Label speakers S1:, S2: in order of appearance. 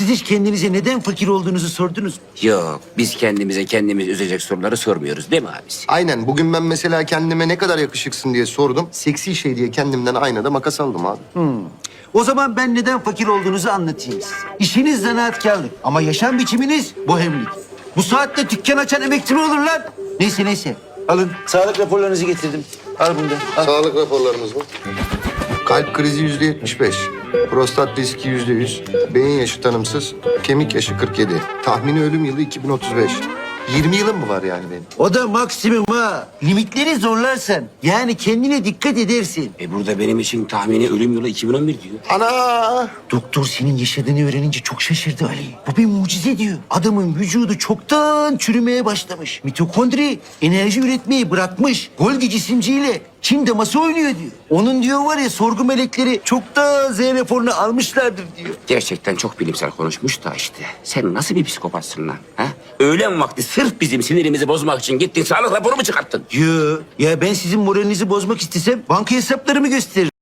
S1: Siz hiç kendinize neden fakir olduğunuzu sordunuz mu?
S2: Yok, biz kendimize kendimiz üzecek soruları sormuyoruz değil mi abisi?
S3: Aynen. Bugün ben mesela kendime ne kadar yakışıksın diye sordum. Seksi şey diye kendimden aynada makas aldım abi.
S1: O zaman ben neden fakir olduğunuzu anlatayım size. İşiniz zanaatkarlık ama yaşam biçiminiz bohemlik. Bu saatte dükkan açan emekçi mi olur lan? Neyse. Alın sağlık raporlarınızı getirdim. Al bunu da. Al.
S3: Sağlık raporlarımız mı? Kalp krizi %75. Prostat riski %100. Beyin yaşı tanımsız. Kemik yaşı 47. Tahmini ölüm yılı 2035. 20 yılım mı var yani benim?
S1: O da maksimum ha. Limitleri zorlarsan yani kendine dikkat edersin.
S2: Burada benim için tahmini ölüm yılı 2011 diyor.
S3: Ana!
S1: Doktor senin yaşadığını öğrenince çok şaşırdı Ali. Bu bir mucize diyor. Adamın vücudu çoktan çürümeye başlamış. Mitokondri enerji üretmeyi bırakmış. Golgi cisimciyle Çin daması oynuyor diyor. Onun diyor var ya sorgu melekleri çoktan Z raporunu almışlardır diyor.
S2: Gerçekten çok bilimsel konuşmuş da işte. Sen nasıl bir psikopatsın lan? Ha? Öğlen vakti sırf bizim sinirimizi bozmak için gittin sağlık raporu mu çıkarttın?
S1: Yo, ya ben sizin moralinizi bozmak istesem banka hesaplarımı gösteririm.